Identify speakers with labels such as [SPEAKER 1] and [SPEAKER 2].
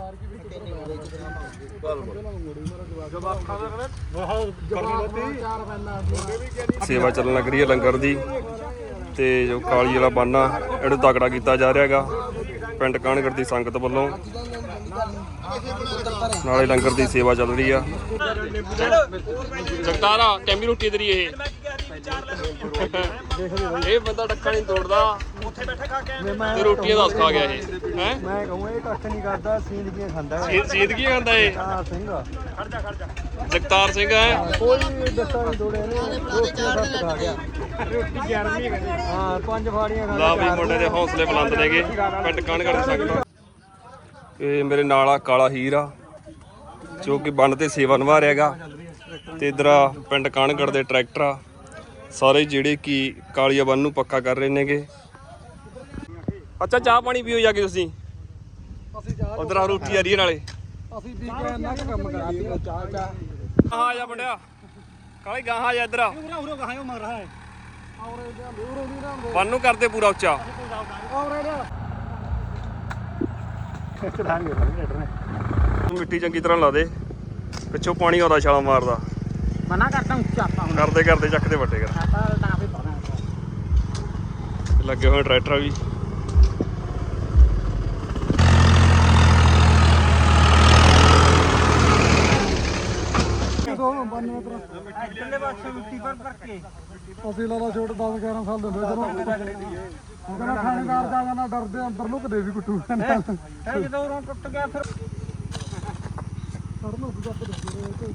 [SPEAKER 1] ਸੇਵਾ ਚੱਲਣ ਲੱਗ ਰਹੀ ਹੈ ਲੰਗਰ ਦੀ ਤੇ ਜੋ ਕਾਲੀ ਵਾਲਾ ਬਾਨਾ ਇਹਨੂੰ ਤਕੜਾ ਕੀਤਾ ਜਾ ਰਿਹਾ ਹੈਗਾ ਪਿੰਡ ਕਾਹਨਗੜ੍ਹ ਦੀ ਸੰਗਤ ਵੱਲੋਂ। ਨਾਲੇ ਲੰਗਰ ਦੀ ਸੇਵਾ ਚੱਲ ਰਹੀ ਆ। ਜਗਤਾਰਾ ਟੈਂਬੀ ਰੋਟੀ ਤੇਰੀ ਇਹ ਬੰਦਾ ਡੱਕਾ ਨਹੀਂ ਤੋੜਦਾ ਤੇ ਰੋਟੀਆਂ ਦੱਸ ਖਾ ਗਿਆ ਇਹ ਹੈ।
[SPEAKER 2] ਮੈਂ ਕਹੂੰ ਇਹ ਕੱਖ ਨਹੀਂ ਕਰਦਾ, ਸੀਂਦਗੀਆਂ ਖਾਂਦਾ
[SPEAKER 1] ਸੀਦਗੀਆਂ ਖਾਂਦਾ ਇਹ
[SPEAKER 2] ਸਿੰਘ।
[SPEAKER 1] ਜਗਤਾਰ ਸਿੰਘ ਹੈ।
[SPEAKER 2] ਕੋਈ ਦੱਸਾ ਨਹੀਂ ਤੋੜਿਆ ਨੇ, ਰੋਟੀਆਂ ਸੱਤ ਖਾ ਗਿਆ। ਰੋਟੀ 11ਵੀਂ ਹਾਂ 5 ਫਾੜੀਆਂ ਖਾ
[SPEAKER 1] ਲਾ ਵੀ ਮੁੰਡੇ ਦੇ ਹੌਸਲੇ ਬੁਲੰਦ ਨੇਗੇ ਪਿੰਡ ਕਾਹਨਗੜ੍ਹ ਦੀ ਸੰਗਤ। ਇਹ ਮੇਰੇ ਨਾਲ ਆ ਕਾਲਾ ਹੀਰ ਆ ਜੋ ਕਿ ਬੰਨ ਤੇ ਸੇਵਾ ਨਿਭਾ ਰਿਹਾ ਹੈਗਾ ਤੇ ਇਧਰ ਆ ਪਿੰਡ ਕਾਹਨਗੜ੍ਹ ਦੇ ਟਰੈਕਟਰ ਆ ਸਾਰੇ ਜਿਹੜੇ ਕਿ ਕਾਲੀਆ ਬੰਨ ਨੂੰ ਪੱਕਾ ਕਰ ਰਹੇ ਨੇਗੇ। ਅੱਛਾ ਚਾਹ ਪਾਣੀ ਪੀਓ ਜਾ ਕੇ ਤੁਸੀਂ ਉਧਰ ਆ ਰੋਟੀ ਆ ਰਹੀ ਨਾਲੇ
[SPEAKER 2] ਅਸੀਂ ਵੀ ਇੰਨਾ ਕੰਮ ਕਰੀਏ ਚਾਹ
[SPEAKER 1] ਆ ਜਾ ਮੁੰਡਿਆ ਕਾਲੇ ਗਾਹਾਂ ਆ ਜਾ ਇਧਰ ਆ ਬੰਨ ਨੂੰ ਕਰਦੇ ਪੂਰਾ ਉੱਚਾ। ਮਿੱਟੀ ਚੰਗੀ ਤਰ੍ਹਾਂ ਲਾ ਦੇ ਪਿੱਛੋਂ ਪਾਣੀ ਆਉਂਦਾ ਛਾਲਾ ਮਾਰਦਾ
[SPEAKER 2] ਮਨਾ ਕਰਦਾ ਉੱਚਾ
[SPEAKER 1] ਕਰਦੇ ਕਰਦੇ ਚੱਕਦੇ ਵੱਡੇ ਕਰ ਲੱਗੇ ਹੋਏ ਟਰੈਕਟਰ ਵੀ।
[SPEAKER 2] ਅਸੀਂ ਲਾਲਾ ਛੋਟ 10-11 ਸਾਲ ਦੇ ਹੁੰਦੇ ਜਦੋਂ ਕਹਿੰਦਾ ਥਾਣੇਦਾਰ ਜਾ ਜਾਣਾ ਡਰਦੇ ਅੰਦਰ ਲੁਕਦੇ ਵੀ ਕੁੱਟੂ ਜਦੋਂ ਟੁੱਟ ਗਿਆ ਫਿਰ